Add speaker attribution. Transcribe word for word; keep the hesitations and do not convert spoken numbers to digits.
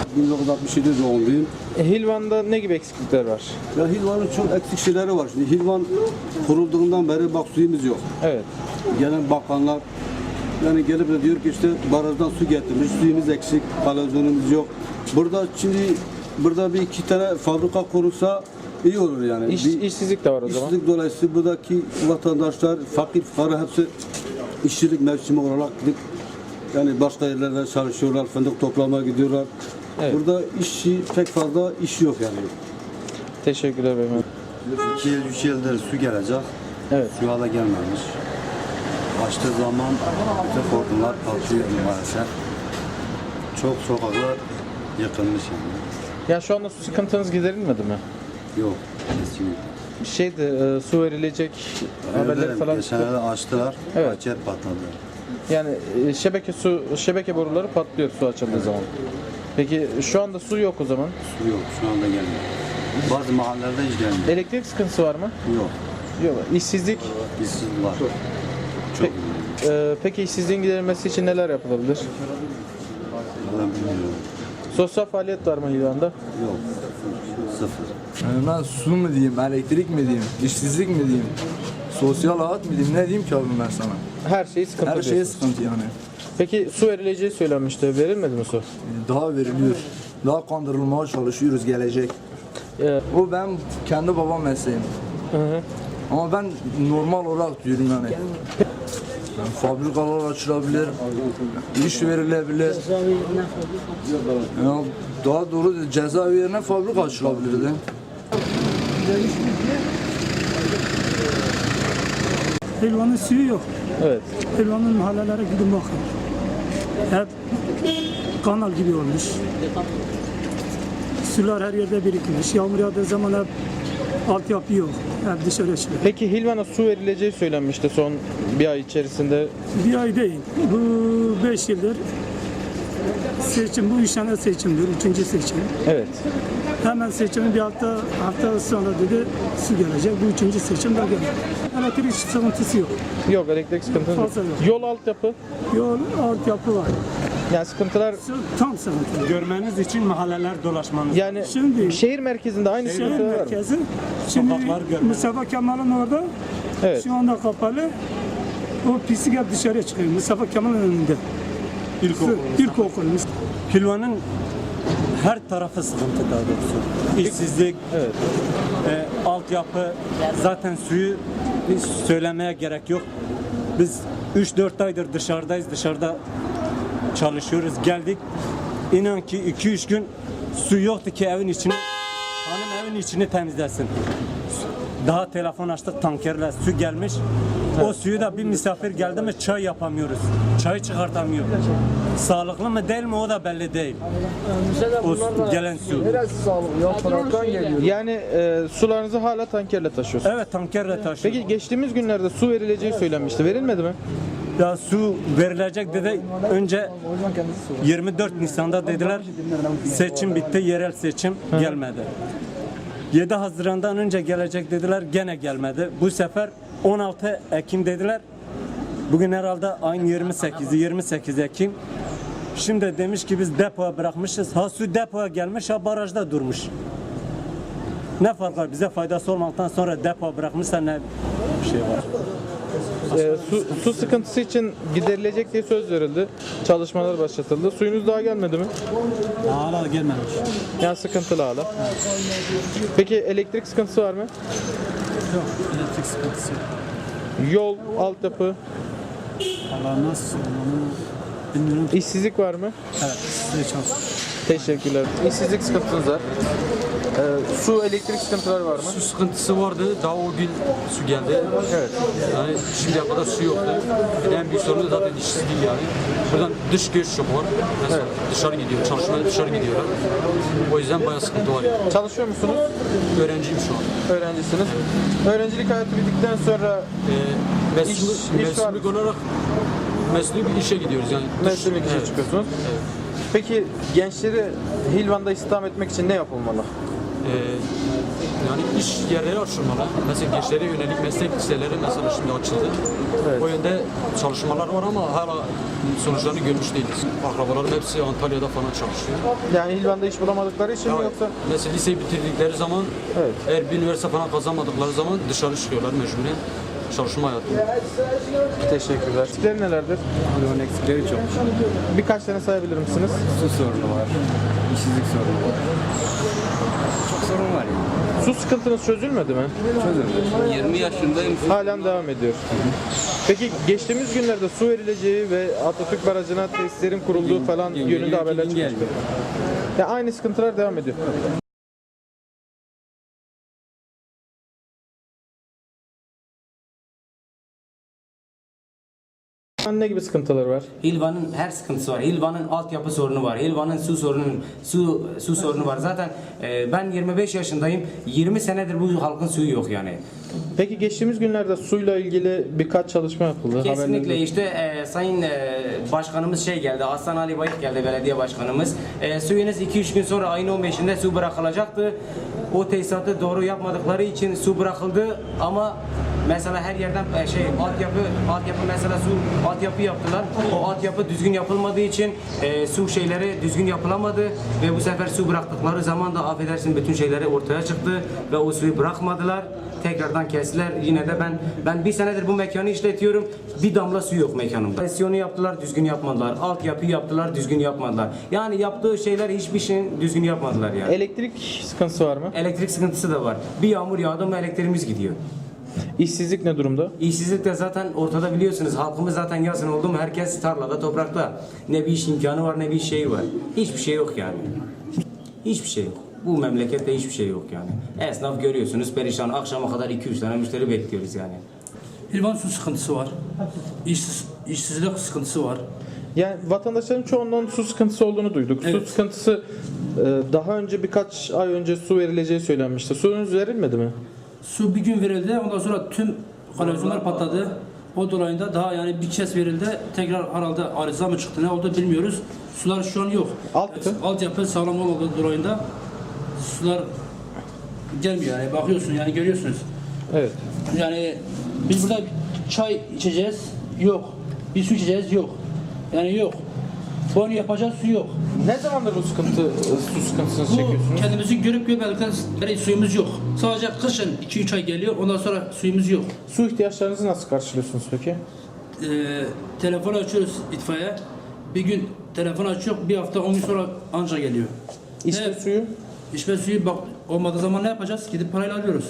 Speaker 1: bin dokuz yüz altmış yedi doğumluyum.
Speaker 2: E, Hilvan'da ne gibi eksiklikler var?
Speaker 1: Ya Hilvan'ın çok eksik şeyleri var. Şimdi Hilvan kurulduğundan beri bak suyumuz yok.
Speaker 2: Evet.
Speaker 1: Gelen bakanlar yani gelip de diyor ki işte barajdan su getirmiş, suyumuz eksik, kalazyonumuz yok. Burada şimdi burada bir iki tane fabrika kurulsa iyi olur yani.
Speaker 2: İş,
Speaker 1: bir,
Speaker 2: işsizlik de var o zaman.
Speaker 1: işsizlik dolayısıyla buradaki vatandaşlar, fakir fukara hepsi işçilik mevsimi olarak gidip yani başka yerlerde çalışıyorlar, fındık toplamaya gidiyorlar.
Speaker 2: Evet.
Speaker 1: Burada işçi pek fazla iş yok yani.
Speaker 2: Teşekkürler beyefendi.
Speaker 3: iki yıl, üç yıldır su gelecek.
Speaker 2: Evet.
Speaker 3: Su hala gelmemiş. Açtığı zaman bütün hortumlar patlıyor maalesef. Çok sokaklar yıkılmış yani.
Speaker 2: Ya şu anda su sıkıntınız giderilmedi mi?
Speaker 3: Yok, kesinlikle.
Speaker 2: Şeydi, e, su verilecek haberleri falan
Speaker 3: Geçen
Speaker 2: çıktı.
Speaker 3: yerde açtılar,
Speaker 2: Evet.
Speaker 3: bahçe patladı.
Speaker 2: Yani e, şebeke su şebeke boruları patlıyor su açıldığı zaman. Peki şu anda su yok o zaman.
Speaker 3: Su yok, şu anda gelmiyor. Bazı mahallelerde hiç gelmiyor.
Speaker 2: Elektrik sıkıntısı var mı?
Speaker 3: Yok,
Speaker 2: Yok. İşsizlik.
Speaker 3: işsiz var. Çok.
Speaker 2: E, peki işsizliğin giderilmesi için neler yapılabilir?
Speaker 3: Valla bilmiyorum.
Speaker 2: Sosyal faaliyet var mı Hilvan'da?
Speaker 3: Yok, sıfır.
Speaker 4: Yani ben su mu diyeyim, elektrik mi diyeyim, işsizlik mi diyeyim, sosyal hayat mı diyeyim, ne diyeyim ki abim ben sana?
Speaker 2: Her şey sıkıntı
Speaker 4: Her şeye
Speaker 2: diyorsunuz.
Speaker 4: sıkıntı yani.
Speaker 2: Peki su verileceği söylenmişti. Verilmedi mi su?
Speaker 4: Daha veriliyor. Daha kandırılmaya çalışıyoruz gelecek.
Speaker 2: Ee,
Speaker 4: Bu ben kendi babam mesleğim.
Speaker 2: hı hı.
Speaker 4: Ama ben normal olarak diyorum yani. Yani fabrikalar açılabilir, iş verilebilir. Yani daha doğru cezaevi yerine fabrika açılabilirdi.
Speaker 5: Helvanın suyu yok.
Speaker 2: Evet.
Speaker 5: Helvanın mahallelere gidin bakın. Hep kanal gibi olmuş. Sular her yerde birikmiş. Yağmur yağdığı zaman hep altyapı yok. Hep dışarı çıkıyor.
Speaker 2: Peki Hilvan'a su verileceği söylenmişti son bir ay içerisinde.
Speaker 5: Bir ay değil. Bu beş yıldır seçim. Bu üç tane seçimdir. Üçüncü seçim.
Speaker 2: Evet.
Speaker 5: Hemen seçimin bir hafta hafta sonra dedi su gelecek. Bu üçüncü seçim de geldi. Elektrik sıkıntısı yok.
Speaker 2: Yok, elektrik sıkıntısı yok.
Speaker 5: Fazla yok.
Speaker 2: Yol altyapı.
Speaker 5: Yol, altyapı var.
Speaker 2: Yani sıkıntılar
Speaker 5: Tam sıkıntı.
Speaker 6: Görmeniz için mahalleler dolaşmanız.
Speaker 2: yani
Speaker 5: Şimdi-
Speaker 2: şehir merkezinde aynı
Speaker 5: Şehir
Speaker 2: sıkıntılar var mı?
Speaker 5: merkezi. Şimdi
Speaker 6: Sokaklar görmez.
Speaker 5: Mustafa Kemal'in orada
Speaker 2: Evet.
Speaker 5: şu anda kapalı. O pislik hep dışarıya çıkıyor. Mustafa Kemal'in önünde.
Speaker 6: İlkokul.
Speaker 5: İlkokul.
Speaker 6: Hilvanın her tarafı sıkıntı daha doğrusu. İşsizlik,
Speaker 2: Evet.
Speaker 6: e, altyapı, zaten suyu hiç söylemeye gerek yok. Biz üç dört aydır dışarıdayız, dışarıda çalışıyoruz. Geldik, inan ki iki üç gün su yoktu ki evin içini, hanım evin içini temizlesin. Daha telefon açtık, tankerle su gelmiş. O suyu da bir misafir geldi mi çay yapamıyoruz. Çayı çıkartamıyor. Sağlıklı mı değil mi o da belli değil. O gelen su.
Speaker 2: Yani e, sularınızı hala tankerle taşıyorsunuz.
Speaker 6: Evet, tankerle taşıyor.
Speaker 2: Peki geçtiğimiz günlerde su verileceği söylenmişti. Verilmedi mi?
Speaker 6: Ya su verilecek dedi. Önce yirmi dört Nisan'da dediler seçim bitti, yerel seçim gelmedi. yedi Haziran'dan önce gelecek dediler, gene gelmedi. Bu sefer on altı Ekim dediler. Bugün herhalde ayın yirmi sekizi yirmi sekiz Ekim. Şimdi demiş ki biz depoya bırakmışız. Ha su depoya gelmiş, ha barajda durmuş. Ne fark var? Bize faydası olmaktan sonra depoya bırakmışsa ne bir şey var?
Speaker 2: E, su, su sıkıntısı için giderilecek diye söz verildi. Çalışmalar başlatıldı. Suyunuz daha gelmedi mi?
Speaker 6: Hala gelmemiş.
Speaker 2: Yani sıkıntılı hala. Peki elektrik sıkıntısı var mı?
Speaker 6: Yok, elektrik sıkıntısı yok.
Speaker 2: Yol, altyapı,
Speaker 6: Valla nasıl onu bilmiyorum.
Speaker 2: işsizlik var mı?
Speaker 6: Evet, size çok.
Speaker 2: Teşekkürler. İşsizlik sıkıntınız var. Ee, su, elektrik sıkıntıları var mı?
Speaker 7: Su sıkıntısı vardı. Daha o gün su geldi.
Speaker 2: Evet.
Speaker 7: Yani şimdiye kadar su yoktu. Yani en büyük sorun da zaten işsizlik yani. Buradan dış göç çok var. Mesela dışarı gidiyor. Çalışmaya dışarı gidiyorlar. O yüzden bayağı sıkıntı var yani.
Speaker 2: Çalışıyor musunuz?
Speaker 7: Öğrenciyim şu an.
Speaker 2: Öğrencisiniz. Öğrencilik hayatı bittikten sonra
Speaker 7: Ee, mevsimlik,
Speaker 2: İş- iş var.
Speaker 7: mevsimlik olarak mesleği bir işe gidiyoruz yani. Dış-
Speaker 2: meslek için
Speaker 7: Evet.
Speaker 2: çıkıyorsunuz. Peki gençleri Hilvan'da istihdam etmek için ne yapılmalı?
Speaker 7: e, yani iş yerleri açılmalı. Mesela gençlere yönelik meslek liseleri mesela şimdi açıldı. O yönde çalışmalar var ama hala sonuçlarını görmüş değiliz. Akrabalarım hepsi Antalya'da falan çalışıyor.
Speaker 2: Yani İlvan'da iş bulamadıkları için mi
Speaker 7: Yani
Speaker 2: yoksa?
Speaker 7: mesela liseyi bitirdikleri zaman
Speaker 2: Evet.
Speaker 7: eğer bir üniversite falan kazanmadıkları zaman dışarı çıkıyorlar mecburen çalışma hayatı.
Speaker 2: Teşekkürler. Eksikleri nelerdir?
Speaker 3: Bunun eksikleri çok.
Speaker 2: Birkaç tane sayabilir misiniz?
Speaker 3: Su sorunu var, işsizlik sorunu var. Çok sorun var yani.
Speaker 2: Su sıkıntınız çözülmedi mi?
Speaker 3: Çözülmüş. yirmi yaşındayım.
Speaker 2: Halen devam ediyor. Peki geçtiğimiz günlerde su verileceği ve Atatürk Barajı'na tesislerin kurulduğu falan
Speaker 3: gün
Speaker 2: yönünde
Speaker 3: geliyor,
Speaker 2: haberler
Speaker 3: gün
Speaker 2: çıkmıştı.
Speaker 3: gelmiyor.
Speaker 2: Ya aynı sıkıntılar devam ediyor. Ne gibi sıkıntılar var?
Speaker 8: Hilvan'ın her sıkıntısı var. Hilvan'ın altyapı sorunu var. Hilvan'ın su sorunu su su sorunu var. Zaten e, ben yirmi beş yaşındayım. yirmi senedir bu halkın suyu yok yani.
Speaker 2: Peki geçtiğimiz günlerde suyla ilgili birkaç çalışma yapıldı.
Speaker 8: Kesinlikle
Speaker 2: Haberlerde-
Speaker 8: işte e, sayın e, başkanımız şey geldi. Hasan Ali Bayık geldi, belediye başkanımız. E, suyunuz iki üç gün sonra ayın on beşinde su bırakılacaktı. O tesisatı doğru yapmadıkları için su bırakıldı ama mesela her yerden e, şey altyapı altyapı mesela su altyapı yaptılar. O altyapı düzgün yapılmadığı için e, su şeyleri düzgün yapılamadı ve bu sefer su bıraktıkları zaman da affedersin bütün şeyleri ortaya çıktı ve o suyu bırakmadılar. Tekrardan kestiler. Yine de ben ben bir senedir bu mekanı işletiyorum. Bir damla su yok mekanımda. Presyonu yaptılar, düzgün yapmadılar. Altyapı yaptılar, düzgün yapmadılar. Yani yaptığı şeyler hiçbir şeyin düzgün yapmadılar yani.
Speaker 2: Elektrik sıkıntısı var mı?
Speaker 8: Elektrik sıkıntısı da var. Bir yağmur yağdı mı elektriğimiz gidiyor.
Speaker 2: İşsizlik ne durumda?
Speaker 8: İşsizlik de zaten ortada biliyorsunuz. Halkımız zaten yazın oldu mu herkes tarlada, toprakta. Ne bir iş imkanı var ne bir şey var. Hiçbir şey yok yani. Hiçbir şey yok. Bu memlekette hiçbir şey yok yani. Esnaf görüyorsunuz perişan. Akşama kadar iki üç tane müşteri bekliyoruz yani.
Speaker 9: Hilvan su sıkıntısı var. İşsiz, işsizlik sıkıntısı var.
Speaker 2: Yani vatandaşların çoğundan su sıkıntısı olduğunu duyduk. Su
Speaker 9: Evet.
Speaker 2: sıkıntısı e, daha önce birkaç ay önce su verileceği söylenmişti. Suyunuz verilmedi mi?
Speaker 9: Su bir gün verildi. Ondan sonra tüm kanalizasyonlar patladı. O dolayında daha yani bir kez verildi. Tekrar herhalde arıza mı çıktı ne oldu bilmiyoruz. Sular şu an yok.
Speaker 2: Altyapı?
Speaker 9: Altyapı sağlam olmadığı dolayında sular gelmiyor yani bakıyorsun yani görüyorsunuz.
Speaker 2: Evet.
Speaker 9: Yani biz burada çay içeceğiz yok. Bir su içeceğiz yok. Yani yok. Banyo yapacağız su yok.
Speaker 2: Ne zamandır bu sıkıntı, e, su sıkıntısını
Speaker 9: Bu
Speaker 2: çekiyorsunuz?
Speaker 9: kendimizi görüp görmedikten sonra suyumuz yok. Sadece kışın iki üç ay geliyor ondan sonra suyumuz yok.
Speaker 2: Su ihtiyaçlarınızı nasıl karşılıyorsunuz peki?
Speaker 9: Ee, telefon açıyoruz itfaiye. Bir gün telefon açıyor bir hafta on gün sonra anca geliyor.
Speaker 2: İçme
Speaker 9: Evet.
Speaker 2: suyu?
Speaker 9: İçme suyu bak olmadığı zaman ne yapacağız? Gidip parayla alıyoruz.